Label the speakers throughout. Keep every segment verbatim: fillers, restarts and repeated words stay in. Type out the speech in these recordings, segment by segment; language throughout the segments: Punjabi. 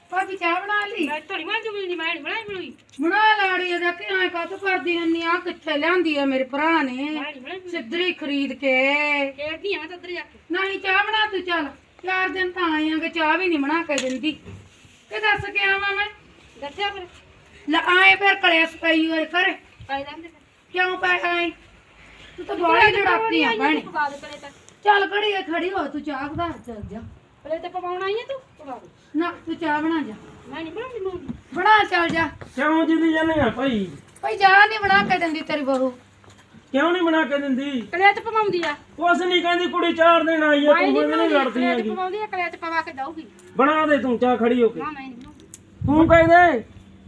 Speaker 1: ਭਾਬੀ ਚਾਹ ਬਣਾ ਲਈ?
Speaker 2: ਮੈਂ ਥੋੜੀ ਮਾਂ ਜੁਮੀ ਨਹੀਂ ਮੈਂ ਬਣਾਈ ਬਣਾਈ
Speaker 1: ਬਣਾ ਲਾੜੀ ਇਹਦਾ ਕਿ ਐ ਕਾਹ ਤੋਂ ਕਰਦੀ ਹੁੰਨੀ ਆ? ਕਿੱਥੇ ਲਿਆਂਦੀ ਆ ਮੇਰੇ ਭਰਾ ਨੇ ਸਿੱਧਰੀ ਖਰੀਦ ਕੇ?
Speaker 2: ਖੇਡਦੀ ਆ ਮੈਂ ਤਾਂ ਉੱਧਰ ਜਾ ਕੇ।
Speaker 1: ਨਹੀਂ ਚਾਹ ਬਣਾ ਤੂੰ। ਚੱਲ ਚਾਰ ਦਿਨ ਤਾਂ ਆਏ ਆਂਗੇ, ਚਾਹ ਵੀ ਨਹੀਂ ਬਣਾ ਕੇ ਦਿੰਦੀ। ਕਿ ਦੱਸ ਕੇ ਆਵਾਂ ਮੈਂ?
Speaker 2: ਦੱਸਿਆ ਫਿਰ
Speaker 1: ਲੈ ਆਏ ਫਿਰ ਕਲੇਸ਼ ਪਈ ਹੋਏ ਘਰੇ।
Speaker 2: ਪਾਈ ਜਾਂਦੇ
Speaker 1: ਕਿਉਂ ਪੈ ਆਏ? ਤੂੰ ਤਾਂ ਬੜੀ ਲੜਾਕੀ ਆ ਭੈਣੇ।
Speaker 2: ਪਕਾ ਦੇ ਪਲੇ ਤਾਂ
Speaker 1: ਚੱਲ ਘੜੀ ਖੜੀ ਹੋ, ਤੂੰ ਚਾਹ ਬਣਾ ਚੱਲ ਜਾ।
Speaker 2: ਪਲੇ ਤੇ ਪਕਾਉਣ ਆਈ ਹੈ ਤੂੰ ਪਕਾ ਦੇ।
Speaker 1: ਨਾ ਤੂੰ ਚਾਹ ਬਣਾ ਜਾ।
Speaker 2: ਮੈਂ ਨਹੀਂ ਬਣਾਉਂਦੀ ਮੂੰਗੀ।
Speaker 1: ਬਣਾ ਚੱਲ ਜਾ।
Speaker 3: ਕਿਉਂ ਜਿੱਦੀ ਜਾਂਦੇ ਆ ਭਾਈ?
Speaker 1: ਭਾਈ ਚਾਹ ਨਹੀਂ ਬਣਾ ਕੇ ਦਿੰਦੀ ਤੇਰੀ ਬਹੂ।
Speaker 3: ਕਿਉਂ ਨਹੀਂ ਬਣਾ ਕੇ ਦਿੰਦੀ?
Speaker 2: ਕਲੇਚ ਪਵਾਉਂਦੀ ਆ।
Speaker 3: ਕੁਛ ਨਹੀਂ ਕਹਿੰਦੀ, ਕੁੜੀ ਚਾਰ ਦਿਨ ਆਈ ਆ, ਤੂੰ ਮੈਨੂੰ ਨਹੀਂ ਲੜਦੀ
Speaker 2: ਕਲੇਚ
Speaker 3: ਹੈਗੀ।
Speaker 2: ਪਵਾਉਂਦੀ ਆ, ਕਲੇਚ ਪਵਾ ਕੇ ਦਊਗੀ।
Speaker 3: ਬਣਾ ਦੇ ਤੂੰ ਚਾਹ ਖੜੀ ਹੋ ਕੇ।
Speaker 2: ਨਾ ਮੈਂ ਨਹੀਂ ਬਣਾਉਂਦੀ।
Speaker 3: ਤੂੰ ਕਹਿ ਦੇ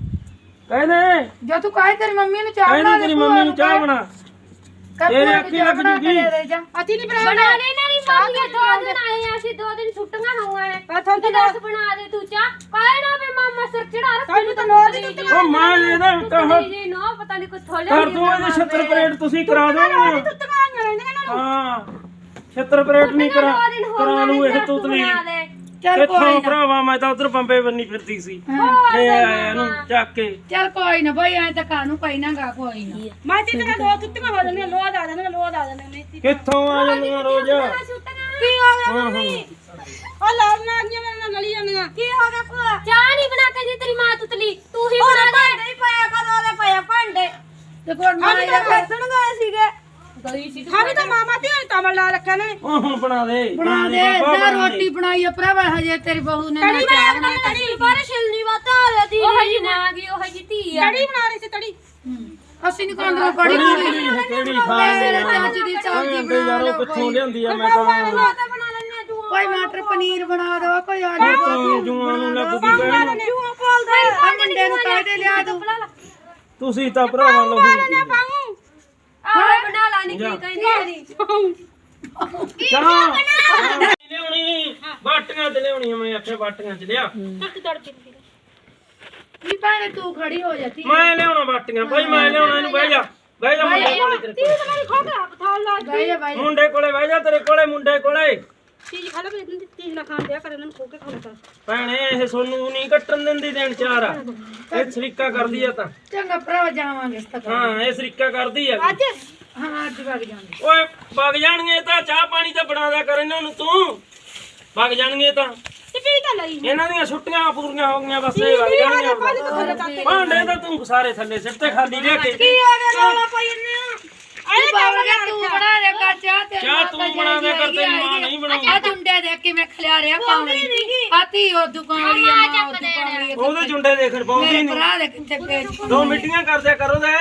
Speaker 3: ਕਹਿ ਦੇ
Speaker 1: ਜੇ ਤੂੰ ਕਹੇ ਤੇਰੀ ਮੰਮੀ ਨੂੰ ਚਾਹ
Speaker 3: ਕਹਿ
Speaker 1: ਬਣਾ
Speaker 3: ਦੇ
Speaker 1: ਦੇ,
Speaker 3: ਤੇਰੀ ਮੰਮੀ ਨੂੰ ਚਾਹ ਬਣਾ। ਤੇਰੇ ਅੱਖੀ ਲੱਗ ਜੂਗੀ।
Speaker 1: ਅਤੀ ਨਹੀਂ ਬਣਾ
Speaker 4: ਬਣਾ ਲੈ ਨਾ ਨਹੀਂ ਮੰਮੀ ਦੋ ਦਿਨ ਆਏ ਆ ਅਸੀਂ, ਦੋ ਦਿਨ ਛੁੱਟੀਆਂ ਹੋਈਆਂ ਨੇ।
Speaker 2: ਪਰ ਤੁਹਾਨੂੰ
Speaker 4: ਤੂੰ ਦੱਸ ਬਣਾ ਦੇ ਤੂੰ ਚਾਹ। ਕਾਹੇ ਨਾ ਵੀ ਮਾਮਾ ਸਿਰ ਚੜਾ ਰੱਖ।
Speaker 2: ਤੁਹਾਨੂੰ ਤਾਂ ਨੋਟ ਹੀ ਦਿੱਤੀ।
Speaker 3: ਉਹ ਮਾਂ ਇਹਦਾ ਕਹ
Speaker 4: ਜੀ ਨੋ ਪਤਾ ਨਹੀਂ ਕੁਛ ਥੋਲੇ
Speaker 3: ਕਰ ਦੂੰ ਇਹਦੇ ਛੱਤਰ ਪਰੇਡ ਤੁਸੀਂ ਕਰਾ ਦੋਗੇ।
Speaker 2: ਤੁੱਤੀਆਂ ਰਹਿੰਦੀਆਂ ਨੇ।
Speaker 3: ਹਾਂ ਛੱਤਰ ਪਰੇਡ ਨਹੀਂ ਕਰਾ ਕਰਾ ਲੂ ਇਹ ਤੁਤਲੀ।
Speaker 1: ਚੱਲ
Speaker 3: ਕਿੱਥੋਂ
Speaker 1: ਕੋਈ ਨਾ,
Speaker 3: ਭਰਾਵਾ ਮੈਂ ਤਾਂ ਉਧਰ ਬੰਬੇ ਬੰਨੀ ਫਿਰਦੀ ਸੀ। ਇਹ ਆਇਆ ਇਹਨੂੰ ਚੱਕ ਕੇ।
Speaker 1: ਚੱਲ ਕੋਈ ਨਾ ਭਾਈ, ਐ ਤਾਂ ਕਾਨੂੰ ਪਈ ਨਾ ਗਾ ਕੋਈ ਨਾ।
Speaker 2: ਮੈਂ ਤੇ ਤੇਰਾ ਦੋ ਤੁੱਤੀਆਂ ਹੋ ਜਾਂਦੀਆਂ, ਲੋਹ ਆ ਜਾਂਦੀਆਂ, ਲੋਹ ਆ ਜਾਂਦੀਆਂ ਨੇ।
Speaker 3: ਕਿੱਥੋਂ ਆ ਜਾਂਦੀਆਂ ਰੋਜ਼?
Speaker 2: ਕੀ ਹੋ ਗਿਆ ਮੰਮੀ? ਉਹ ਲੜਨ ਆ ਗਈਆਂ ਮੇਰੇ ਨਾਲ ਲੜੀ ਜਾਂਦੀਆਂ। ਕੀ ਹੋ ਗਿਆ ਭੂਆ?
Speaker 4: ਚਾਹ ਨਹੀਂ ਬਣਾ ਕੇ ਦੀ ਤੇਰੀ ਮਾਂ ਤੁਤਲੀ, ਤੂੰ ਹੀ ਬਣਾ ਦੇ।
Speaker 2: ਨਹੀਂ ਪਾਇਆ ਕਦੋਂ ਦੇ ਪਾਇਆ ਭਾਂਡੇ।
Speaker 1: ਤੇ ਕੋਣ ਮਾਂ
Speaker 2: ਅਸੀਂ ਤਾਂ ਖੇਡਣ ਗਏ ਸੀਗੇ। ਹਾਂ ਵੀ ਤਾਂ ਮਾਮਾ ਤੇ ਤਮਲ ਲਾ ਰੱਖਿਆ ਨੇ।
Speaker 3: ਉਹ ਹੁਣ ਬਣਾ ਦੇ
Speaker 1: ਬਣਾ ਦੇ ਨਾ, ਰੋਟੀ ਬਣਾਈ ਆ ਭਰਾਵਾ, ਹਜੇ ਤੇਰੀ ਬਹੂ ਨੇ ਨਾ ਚਾਹ ਬਣਾ।
Speaker 4: ਤੜੀ ਬਾਰੇ ਛਿਲਨੀ ਵਾਤਾ ਆ ਦੀ ਉਹ ਜੀ ਮਾਂ ਗਈ ਉਹ ਜੀ ਧੀ ਆ।
Speaker 2: ਤੜੀ ਬਣਾ ਰਹੀ ਸੀ ਤੜੀ।
Speaker 1: ਅਸੀਂ ਨਹੀਂ ਖਾਂਦੇ ਬੜੀ
Speaker 3: ਕਿਹੜੀ ਕਿਹੜੀ ਖਾ
Speaker 1: ਮੇਰੇ ਚਾਚੀ ਦੀ ਸਬਜ਼ੀ ਬਣਾ
Speaker 3: ਯਾਰੋ
Speaker 1: ਲਓ।
Speaker 3: ਕਿੱਥੋਂ ਲਿਆਂਦੀ ਆ? ਮੈਂ ਤਾਂ
Speaker 2: ਤਾਂ ਬਣਾ ਲੈਣੇ ਆ ਤੂੰ।
Speaker 1: ਕੋਈ ਮਟਰ ਪਨੀਰ ਬਣਾ ਦੋ, ਕੋਈ ਆਲੂ
Speaker 3: ਤੂੰ ਜੂਆਂ ਨੂੰ ਲੱਗਦੀ ਕਹਿਣ।
Speaker 2: ਜੂਆ ਪਾਲਦਾ
Speaker 1: ਆ ਮੁੰਡੇ ਨੂੰ ਕਾਹਦੇ ਲਿਆ ਦੋ।
Speaker 3: ਤੁਸੀਂ ਤਾਂ ਭਰਾਵਾਂ ਲੋ
Speaker 2: ਪਾਉਂ।
Speaker 4: ਆਹ ਬਣਾ ਲਾ ਨੀ ਕੀ ਕਹਿੰਦੀ ਤੇਰੀ।
Speaker 3: ਚਾਹ ਲਿਆਉਣੀ ਬਾਟੀਆਂ ਤੇ ਲਿਆਉਣੀ ਮੈਂ ਆਖਿਆ ਬਾਟੀਆਂ ਚ ਲਿਆ।
Speaker 2: ਤੱਕ ਤੜਕੇ
Speaker 1: ਕੀ ਭੈਣੇ ਤੂੰ ਖੜੀ ਹੋ ਜਾਂਦੀ?
Speaker 3: ਮੈਂ ਲਿਆਉਣਾ ਬਾਟੀਆਂ ਭਾਈ, ਮੈਂ ਲਿਆਉਣਾ। ਇਹਨੂੰ ਬਹਿ ਜਾ ਬਹਿ ਜਾ ਮੁੰਡੇ ਕੋਲੇ ਤੇਰੇ ਕੋਲੇ।
Speaker 2: ਮੇਰੀ ਖੋਟਾ ਪਥਾਲ ਲਾ
Speaker 1: ਬਾਈ ਜਾ ਬਾਈ।
Speaker 3: ਮੁੰਡੇ ਕੋਲੇ ਬਹਿ ਜਾ, ਤੇਰੇ ਕੋਲੇ ਮੁੰਡੇ ਕੋਲੇ।
Speaker 2: ਚੀਜ਼ ਖਾ ਲੈ ਵੀ ਚੀਜ਼ ਨਾ ਖਾਣ ਦਿਆ ਕਰ, ਇਹਨਾਂ ਨੂੰ ਖੋ ਕੇ ਖਾਣਾ।
Speaker 3: ਭੈਣੇ ਇਹ ਸੋਨੂੰ ਨਹੀਂ ਕੱਟਣ ਦਿੰਦੀ ਦਿਨ ਚਾਰ ਆ। ਇਹ ਸਰੀਕਾ ਕਰਦੀ ਆ ਤਾਂ।
Speaker 1: ਚੰਗਾ ਭਰਾ ਜਾਵਾਂਗੇ ਇਸ ਤੱਕ।
Speaker 3: ਹਾਂ ਇਹ ਸਰੀਕਾ ਕਰਦੀ ਆ।
Speaker 2: ਅੱਜ
Speaker 1: ਹਾਂ ਅੱਜ ਵਗ ਜਾਵਾਂਗੇ।
Speaker 3: ਓਏ ਵਗ ਜਾਣਗੇ ਤਾਂ ਚਾਹ ਪਾਣੀ ਤਾਂ ਬਣਾ ਦਿਆ ਕਰ ਇਹਨਾਂ ਨੂੰ ਤੂੰ। ਵਗ ਜਾਣਗੇ ਤਾਂ
Speaker 2: ਤੇ ਪੀ ਤਾਂ ਲਈ।
Speaker 3: ਇਹਨਾਂ ਦੀਆਂ ਛੁੱਟੀਆਂ ਪੂਰੀਆਂ ਹੋ ਗਈਆਂ, ਬਸ ਇਹ ਵਗ ਜਾਣਗੇ। ਭਾਂਡੇ ਤਾਂ ਤੂੰ ਸਾਰੇ ਥੱਲੇ ਸਿੱਟ ਤੇ ਖਾਲੀ ਲੈ ਕੇ।
Speaker 2: ਕੀ ਹੋ ਗਿਆ ਰੌਲਾ ਪਾਈ ਜੰਨੇ ਆ?
Speaker 1: ਇਹ ਬਾਵੜੀਆ ਤੂੰ ਬਣਾ ਦੇ ਕਰ ਚਾਹ ਤੇ
Speaker 3: ਚਾਹ ਤੂੰ ਬਣਾ ਦੇ ਕਰ, ਤੇਰੀ ਮਾਂ ਨਹੀਂ ਬਣਾਉਂਦੀ।
Speaker 1: ਆ ਜੁੰਡੇ ਦੇਖ ਕੇ ਮੈਂ ਖਲਿਆ ਰਿਆ ਪਾਉਣੀ ਆਤੀ ਉਹ ਦੁਕਾਨ ਵਾਲੀ ਆ ਮਾਂ ਉਹ ਦੁਕਾਨ ਵਾਲੀ
Speaker 3: ਉਹਦੇ ਜੁੰਡੇ ਦੇਖਣ ਪਾਉਂਦੀ
Speaker 1: ਮੇਰੇ
Speaker 3: ਨਹੀਂ।
Speaker 1: ਭਰਾ ਦੇ ਕਿੱਥੇ ਪੇਜ
Speaker 3: ਦੋ ਮਿੱਟੀਆਂ ਕਰਦਿਆ ਕਰੋ ਦੇ।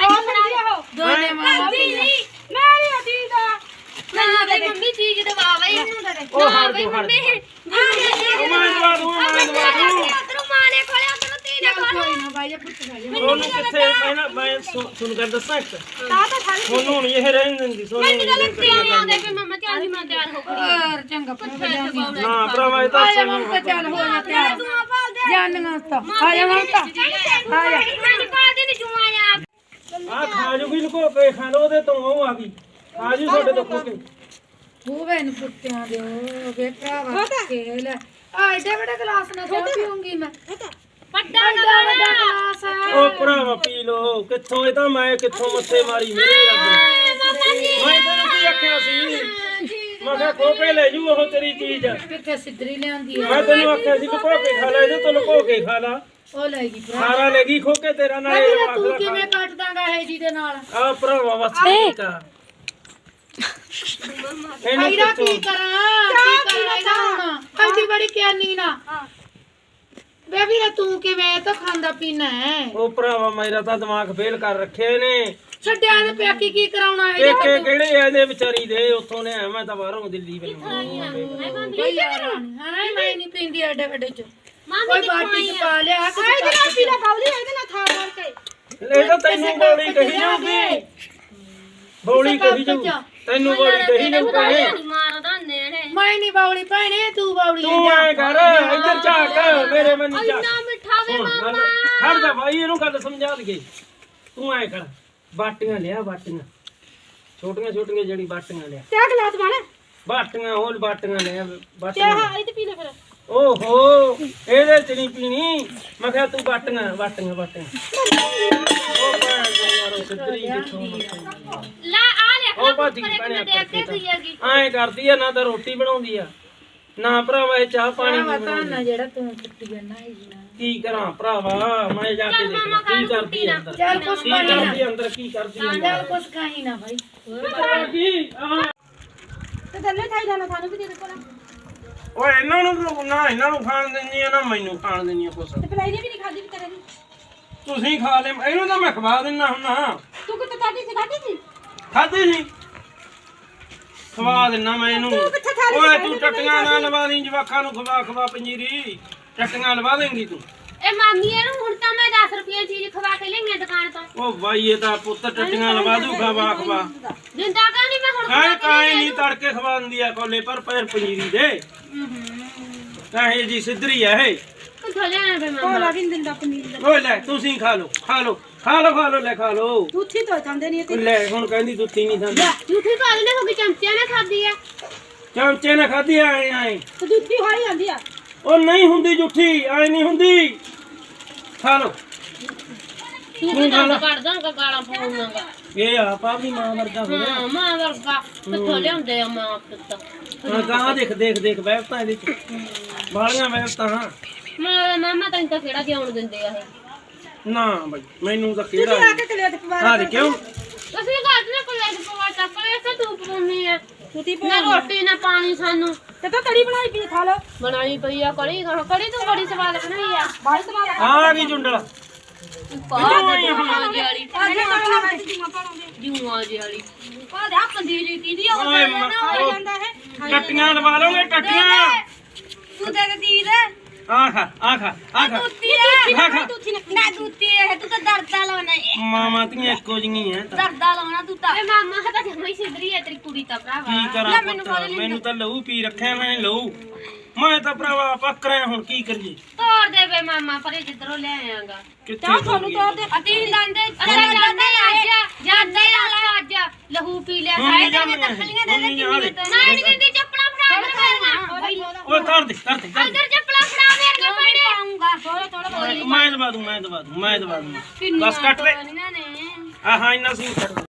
Speaker 1: ਦੋਨੇ ਮਾਂ
Speaker 2: ਮੇਰੀ ਅਦੀ ਦਾ
Speaker 4: ਨਾ ਬਈ ਮੰਮੀ ਚੀਜ਼ ਦਵਾ ਬਈ ਇਹਨੂੰ ਦੇ।
Speaker 3: ਉਹ ਹਰ ਦੋ ਹਰ ਉਹ ਮੈਂ ਦਵਾ ਦੂੰ ਮੈਂ ਦਵਾ ਦੂੰ।
Speaker 4: ਉਧਰੋਂ ਮਾਂ ਨੇ ਖੋਲਿਆ ਉਧਰੋਂ ਤੀ ਨੇ
Speaker 1: ਕੋਈ ਨਾ ਬਾਈ ਜੀ ਪੁੱਛ ਜਾ
Speaker 3: ਸੋਨੂੰ ਕਿੱਥੇ ਪਹਿਲਾਂ ਮੈਂ ਸੁਣ ਕਰ ਦੱਸਾਂ ਇੱਕ
Speaker 2: ਤਾਂ ਤਾਂ ਖਾਲੀ
Speaker 3: ਸੋਨੂੰ ਨਹੀਂ ਇਹ ਰਹਿਣ ਦਿੰਦੀ। ਸੋਨੂੰ ਨਹੀਂ
Speaker 4: ਤੇ ਆਉਂਦੇ ਵੀ ਮੰਮਾ ਚੱਲ ਜੀ ਮੈਂ ਤਿਆਰ ਹੋ ਗਈ।
Speaker 1: ਹੋਰ ਚੰਗਾ ਪੁੱਛ ਜਾਂਦੀ
Speaker 3: ਨਾ ਭਰਾਵਾ ਇਹ ਤਾਂ
Speaker 1: ਆ ਜਾ ਹੁਣ ਤਾਂ ਚੱਲ ਹੋ ਜਾ ਤਿਆਰ ਜਾਣੀਆਂ ਤਾਂ ਆ ਜਾ ਹੁਣ ਤਾਂ ਆ ਜਾ
Speaker 4: ਮੈਂ ਪਾ ਦੇ ਨੀ ਜੂਆ ਆ।
Speaker 3: ਆ ਖਾ ਜੂਗੀ ਲੁਕੋ ਕੇ ਖਾ ਲੋ ਉਹਦੇ ਤੋਂ ਉਹ ਆ ਗਈ। ਆ ਜੂ ਸਾਡੇ ਤੋਂ ਖੋ ਕੇ।
Speaker 1: ਹੋਵੇ ਨੂੰ ਪੁੱਤਿਆਂ ਦੇ ਉਹ ਵੇ ਭਰਾਵਾ ਖੇਲ ਆ ਏਡੇ ਵੱਡੇ ਗਲਾਸ ਨਾਲ ਚਾਹ ਪੀਉਂਗੀ ਮੈਂ।
Speaker 4: ਵੱਡਾ
Speaker 1: ਵੱਡਾ ਵੱਡਾ ਗਲਾਸ ਆ
Speaker 3: ਉਹ ਭਰਾਵਾ ਪੀ ਲੋ। ਕਿੱਥੋਂ ਇਹ ਤਾਂ ਮੈਂ ਕਿੱਥੋਂ ਮੱਥੇ ਮਾਰੀ ਮੇਰੇ ਰੱਬ। ਮੈਂ ਤੈਨੂੰ ਕੀ ਆਖਿਆ ਸੀ? ਮੈਂ ਕਿਹਾ ਖੋ ਕੇ ਲੈ ਜੂ ਉਹ ਤੇਰੀ ਚੀਜ਼।
Speaker 1: ਕਿੱਥੇ ਸਿੱਧਰੀ ਲਿਆਂਦੀ ਆ
Speaker 3: ਮੈਂ ਤੈਨੂੰ ਆਖਿਆ ਸੀ ਲੁਕੋ ਕੇ ਖਾ ਲੈ, ਇਹਦੇ ਤੋਂ ਲੁਕੋ ਕੇ ਖਾ ਲਾ।
Speaker 1: ਉਹ ਲੈ ਗਈ ਭਰਾ
Speaker 3: ਸਾਰਾ ਲੈ ਗਈ ਖੋ ਕੇ ਤੇਰਾ ਨਾਲ ਇਹ
Speaker 1: ਤੂੰ
Speaker 3: ਵਾਖਲਾ
Speaker 1: ਕਿਵੇਂ ਕੱਟ ਦਾਂਗਾ ਇਹ ਜੀ ਦੇ ਨਾਲ
Speaker 3: ਆ ਭਰਾਵਾ ਬਸ ਠੀਕ ਆ। ਇਹਨੂੰ
Speaker 1: ਆਈਰਾ ਕੀ
Speaker 3: ਕਿੱਥੋਂ
Speaker 1: ਕਰਾਂ ਕੀ ਕਰਾਂ ਇਹਦਾ ਹੁਣ ਐਡੀ ਬੜੀ ਕਿਆਨੀ ਨਾ ਬੇਬੀ ਰੇ ਤੂੰ ਕਿਵੇਂ ਤਾਂ ਖਾਂਦਾ ਪੀਣਾ ਹੈ
Speaker 3: ਉਹ ਭਰਾਵਾ ਮੇਰਾ ਤਾਂ ਦਿਮਾਗ ਫੇਲ ਕਰ ਰੱਖੇ ਨੇ।
Speaker 1: ਛੱਡਿਆ ਤੇ ਪਿਆ ਕੀ ਕੀ ਕਰਾਉਣਾ ਹੈ
Speaker 3: ਇੱਕ ਇੱਕ ਕਿਹੜੇ ਆ ਇਹਦੇ ਵਿਚਾਰੀ ਦੇ ਉੱਥੋਂ ਨੇ ਮੈਂ ਤਾਂ ਬਾਹਰੋਂ ਦਿੱਲੀ ਵੱਲੋਂ।
Speaker 1: ਬਈ ਯਾਰ ਹਾਂ ਮੈਂ ਨਹੀਂ ਪੀਂਦੀ ਐਡੇ ਵੱਡੇ ਚ
Speaker 4: ਮਾਂ
Speaker 1: ਕੋਈ ਬਾਟੀ ਚ ਪਾ ਲਿਆ ਕਿ
Speaker 2: ਇਹਦੇ ਨਾਲ ਪੀ ਲੈ ਬਾਉਲੀ, ਇਹਦੇ ਨਾਲ ਥਾ ਮਾਰ ਕੇ।
Speaker 3: ਇਹ ਤਾਂ ਤੈਨੂੰ ਬੋਲੀ ਕਹੀ ਜਾਊਗੀ। ਬੋਲੀ ਕਹੀ ਜਾਊ ਤੈਨੂੰ ਬੋਲੀ ਕਹੀ ਜਾਊ ਭੈਣੇ।
Speaker 4: ਮਾਰਦਾ ਨੇੜੇ
Speaker 1: ਮੈਂ ਨਹੀਂ ਬਾਉਲੀ ਭੈਣੇ ਤੂੰ ਬਾਉਲੀ
Speaker 3: ਤੂੰ ਐ ਕਰ ਇੱਧਰ ਝਾਕ ਮੇਰੇ ਮਨ ਝਾਕ।
Speaker 4: ਨਾ ਮਿੱਠਾ ਵੇ ਮਾਮਾ।
Speaker 3: ਖੜ ਜਾ ਭਾਈ ਇਹਨੂੰ ਗੱਲ ਸਮਝਾ ਦਈਏ। ਤੂੰ ਐ ਕਰ ਬਾਟੀਆਂ ਲਿਆ, ਬਾਟੀਆਂ ਛੋਟੀਆਂ ਛੋਟੀਆਂ ਜਿਹੜੀ ਬਾਟੀਆਂ ਲਿਆ।
Speaker 2: ਚਾਹ ਗਲਾਸ ਬਣਾ
Speaker 3: ਬਾਟੀਆਂ ਹੋਰ ਬਾਟੀਆਂ ਲਿਆ ਬਾਟੀਆਂ।
Speaker 2: ਚਾਹ ਇਹ ਤੇ ਪੀ ਲੈ ਫਿਰ।
Speaker 3: ਓਹੋ ਇਹਦੇ ਚ ਨਹੀਂ ਪੀਣੀ ਮੈਂ ਕਿਹਾ ਤੂੰ ਬਾਟੀਆਂ ਬਾਟੀਆਂ ਬਾਟੀਆਂ ਉਹ ਭੈਣ ਦੇ ਯਾਰ ਉਹ ਸਿੱਧਰੀ ਜਿੱਥੋਂ
Speaker 4: ਲਾ ਆ ਲੈ
Speaker 3: ਉਹ ਭਾਜੀ
Speaker 4: ਮੈਂ ਦੇਖ ਕੇ ਗਈ ਹੈਗੀ
Speaker 3: ਐਂ ਕਰਦੀ ਆ ਨਾ ਤਾਂ ਰੋਟੀ ਬਣਾਉਂਦੀ ਆ ਨਾ ਭਰਾਵਾ ਇਹ ਚਾਹ ਪਾਣੀ ਵੀ
Speaker 1: ਪਤਾ
Speaker 3: ਬਣਾਉਂਦੀ
Speaker 1: ਨਾ ਜਿਹੜਾ ਤੂੰ ਕੁੱਟੀ ਜਾਂਦਾ ਹੈ
Speaker 3: ਕੀ ਕਰਾਂ ਭਰਾਵਾ ਮੈਂ ਜਾ ਕੇ ਦੇਖਾਂ ਕੀ ਕਰਦੀ ਆ ਅੰਦਰ
Speaker 1: ਚੱਲ ਕੁਛ
Speaker 3: ਕੀ
Speaker 1: ਪਾਣੀ ਨਾ
Speaker 3: ਕਰਦੀ ਆ ਅੰਦਰ ਕੀ ਕਰਦੀ ਆ
Speaker 1: ਚੱਲ ਕੁਛ ਖਾਈ ਨਾ ਭਾਈ
Speaker 3: ਅੰਦਰ ਕੀ ਆਹ
Speaker 2: ਤੇ ਥੱਲੇ ਖਾਈ ਜਾਣਾ ਸਾਨੂੰ ਵੀ ਦੇ ਦੇ ਕੋਲ
Speaker 3: ਓਏ ਇਹਨਾਂ ਨੂੰ ਤਾਂ ਨਾ ਇਹਨਾਂ ਨੂੰ ਖਾਣ ਦਿੰਦੀ ਆ ਨਾ ਮੈਨੂੰ ਖਾਣ ਦਿੰਦੀ ਆ ਕੁਛ
Speaker 2: ਤੇ ਪਲਾਈ ਨੇ ਵੀ ਨਹੀਂ ਖਾਦੀ ਵਿਚਾਰੇ ਦੀ
Speaker 3: ਤੁਸੀਂ ਖਾ ਲੈ ਇਹਨੂੰ ਤਾਂ ਮੈਂ ਖਵਾ ਦਿੰਦਾ ਹੁੰਨਾ
Speaker 2: ਤੂੰ ਕਿੱਥੇ ਖਾਦੀ ਸੀ ਖਾਦੀ ਸੀ
Speaker 3: ਖਾਧੀ ਸੀ ਖਵਾ ਦਿੰਦਾ ਮੈਂ ਇਹਨੂੰ
Speaker 2: ਕਿੱਥੇ ਖਾ ਲਈ
Speaker 3: ਓਏ ਤੂੰ ਟੱਟੀਆਂ ਨਾ ਲਵਾ ਲਈ ਜਵਾਖਾਂ ਨੂੰ ਖਵਾ ਖਵਾ ਪੰਜੀਰੀ ਟੱਟੀਆਂ ਲਵਾ ਦੇਂਗੀ ਤੂੰ
Speaker 4: ਇਹ ਮਾਮੀ ਇਹਨੂੰ ਹੁਣ ਤਾਂ ਮੈਂ ਦਸ ਰੁਪਏ ਚੀਜ਼ ਖਵਾ ਕੇ ਲਿਆਈ ਦੁਕਾਨ ਤੋਂ
Speaker 3: ਉਹ ਬਾਈ ਇਹ ਤਾਂ ਪੁੱਤ ਟੱਟੀਆਂ ਲਵਾ ਦੂ ਖਵਾ ਖਵਾ
Speaker 4: ਜਿੰਦਾ ਕਾ ਨਹੀਂ ਮੈਂ ਹੁਣ
Speaker 3: ਕਾਹ ਕਾਹ ਨਹੀਂ ਤੜਕੇ ਖਵਾਉਂਦੀ ਆ ਕੋਲੇ ਪਰ ਪੈਰ ਪੰਜੀਰੀ ਦੇ ਕਾਹੇ ਜੀ ਸਿੱਧਰੀ ਆ ਇਹ
Speaker 4: ਕਿੱਥੋਂ ਲਿਆਣਾ ਬੇ ਮਾਮਾ
Speaker 2: ਕੋਲਾ ਵੀ ਨੀ ਦਿੰਦਾ ਪਨੀਰ ਦਾ
Speaker 3: ਓਏ ਲੈ ਤੁਸੀਂ ਖਾ ਲਓ ਖਾ ਲਓ ਖਾ ਲਓ ਖਾ ਲਓ ਲੈ ਖਾ ਲਓ
Speaker 2: ਦੁੱਧੀ ਤੋਂ ਖਾਂਦੇ ਨਹੀਂ ਤੇ
Speaker 3: ਲੈ ਹੁਣ ਕਹਿੰਦੀ ਦੁੱਤੀ ਨਹੀਂ ਖਾਂਦੀ
Speaker 4: ਝੂਠੀ ਕਾਲ ਨੇ ਹੋ ਗਈ ਚਮਚਿਆਂ ਨੇ ਖਾਦੀ ਆ
Speaker 3: ਚਮਚੇ ਨਾਲ ਖਾਧੀ ਆਏ ਆਏ
Speaker 2: ਤੇ ਦੁੱਧੀ ਹੋਈ ਜਾਂਦੀ ਆ
Speaker 3: ਉਹ ਨਹੀਂ ਹੁੰਦੀ ਜੁੱਠੀ ਆਏ ਨਹੀਂ ਹੁੰਦੀ ਖਾ ਲਓ
Speaker 4: ਤੂੰ ਤਾਂ ਕੱਢਦਾ ਕਾ ਗਾਲਾਂ ਪਾਉਂਦਾਗਾ
Speaker 3: ਇਹ ਆਪ ਆਪਣੀ ਮਾਂ ਵਰਗਾ ਹੋ ਗਿਆ
Speaker 4: ਹਾਂ ਮਾਂ ਵਰਗਾ ਕਿੱਥੋਂ ਲਿਆਉਂਦੇ ਆ ਮਾਂ ਪੁੱਤ
Speaker 3: ਹਾਂ ਗਾਂ ਦੇਖ ਦੇਖ ਦੇਖ ਵਹਿਬਤਾਂ ਇਹਦੇ ਚ ਬਾਲੀਆਂ ਵਹਿਬਤਾਂ ਹਾਂ
Speaker 4: ਮਾਂ ਮਾਮਾ ਤੈਨੂੰ ਤਾਂ ਕਿਹੜਾ ਜਿਉਣ ਦਿੰਦੇ ਆ ਇਹ
Speaker 3: ਨਾ ਬਾਈ ਮੈਨੂੰ ਤਾਂ
Speaker 2: ਤੁਸੀਂ
Speaker 3: ਕਿਹੜਾ
Speaker 2: ਆ ਕੇ ਕਲਿਆ ਤੇ ਪਵਾ
Speaker 3: ਹਾਂ ਦੇ ਕਿਉਂ
Speaker 4: ਅਸੀਂ ਘਰ ਦੇ ਕੋਲ ਲੈ ਕੇ ਪਵਾ ਚੱਕ ਲੈ ਤੇ ਤੂੰ ਪਵਾਉਣੀ ਆ
Speaker 2: ਤੁਸੀਂ
Speaker 4: ਨਾ ਰੋਟੀ ਨਾ ਪਾਣੀ ਸਾਨੂੰ
Speaker 2: ਤੇ ਤਾਂ ਤੜੀ ਬਣਾਈ ਪੀ ਖਾ ਲਓ
Speaker 4: ਬਣਾਈ ਪਈ ਆ ਕੜੀ ਕੜੀ ਤੂੰ ਬੜੀ ਸਵਾਦ ਬਣਾਈ ਆ
Speaker 2: ਬਾਈ ਸਵਾਦ
Speaker 3: ਆ ਗਈ ਜੁੰਡਲ
Speaker 4: ਪਾ ਦੇ ਜੂਆਂ ਜੀ ਵਾਲੀ
Speaker 2: ਅੱਜ ਤਾਂ ਮੈਂ ਜੀਵਾ ਪਾਉਂਦੇ
Speaker 4: ਜੂਆਂ ਜੀ ਵਾਲੀ ਪਾ ਦੇ ਆ ਪੰਜੀਰੀ ਕਿਹਦੀ ਆ
Speaker 3: ਓਏ
Speaker 2: ਖਾ
Speaker 3: ਮ-
Speaker 2: ਜਾਂਦਾ ਹੈ
Speaker 3: ਟੱਟੀਆਂ ਲਵਾ ਲਓਗੇ ਟੱਟੀਆਂ
Speaker 4: ਤੂੰ ਦੇ ਦੇ ਦੀ ਦੇ
Speaker 3: ਆ ਖਾ ਆ ਖਾ ਆ ਖਾ
Speaker 4: ਦੁੱਤੀ ਹੈ
Speaker 3: ਖਾ ਖਾ
Speaker 4: ਨਾ ਦੁੱਤੀ ਹੈ ਤੂੰ ਤਾਂ ਦਰਦਾ ਲਾਉਣਾ ਹੈ
Speaker 3: ਮਾਮਾ ਤੀਆਂ ਇੱਕੋ ਜਿਹੀਆਂ ਐ ਤਾਂ
Speaker 4: ਦਰਦਾ ਲਾਉਣਾ ਤੂੰ ਤਾਂ ਏ ਮਾਮਾ ਤਾਂ ਜਮਈ ਸਿੱਧਰੀ ਹੈ ਤੇਰੀ ਕੁੜੀ ਤਾਂ ਭਰਾਵਾ
Speaker 3: ਕੀ ਕਰਾਂ ਪੁੱਤ ਮੈਨੂੰ ਤਾਂ ਲਹੂ ਪੀ ਰੱਖਿਆ ਮੈਂ ਲਹੂ ਮੈਂ ਤਾਂ ਭਰਾਵਾ ਪੱਕ ਰਿਹਾ ਹੁਣ ਕੀ ਕਰੀਏ
Speaker 4: ਤੋੜ ਦੇ ਵੇ ਮਾਮਾ ਪਰੇ ਜਿੱਧਰੋਂ ਲੈ ਆਇਆਗਾ
Speaker 3: ਕਿੱਥੇ
Speaker 2: ਤੁਹਾਨੂੰ ਤੋੜ ਦੇ
Speaker 4: ਅਤੀ ਦੰਦੇ ਅਰੇ ਜਾਂਦੇ ਅੱਜ ਜਾਂਦੇ ਅੱਜ ਲਹੂ ਪੀ ਲਿਆ
Speaker 3: ਹੁਣ ਨਹੀਂ ਜਾਂਦੀਆਂ ਇਹ,
Speaker 4: ਤਖਲੀਆਂ
Speaker 3: ਹੁਣ ਨਹੀਂ ਜਾਣੇ।
Speaker 4: ਨਾ ਨਹੀਂ ਦਿੰਦੀ ਚੱਪਲਾਂ ਫੜਾ ਮੇਰੀਆਂ
Speaker 3: ਓਏ ਕਰ ਦੇ ਕਰ ਦੇ ਕਰ ਦੇ
Speaker 4: ਅੰਦਰ ਚੱਪਲਾਂ ਫੜਾ ਮੇਰੀਆਂ ਪੈਣੇ ਪਾਉਂਗਾ ਥੋੜਾ ਥੋੜਾ
Speaker 3: ਮੈਂ ਦਵਾ ਦੂੰ ਮੈਂ ਦਵਾ ਦੂੰ ਮੈਂ ਦਵਾ ਦੂੰ ਬਸ ਕੱਟ ਦੇ
Speaker 4: ਨੇ
Speaker 3: ਆਹ ਇੰਨਾ ਸੀ ਕੱਟ ਦੇ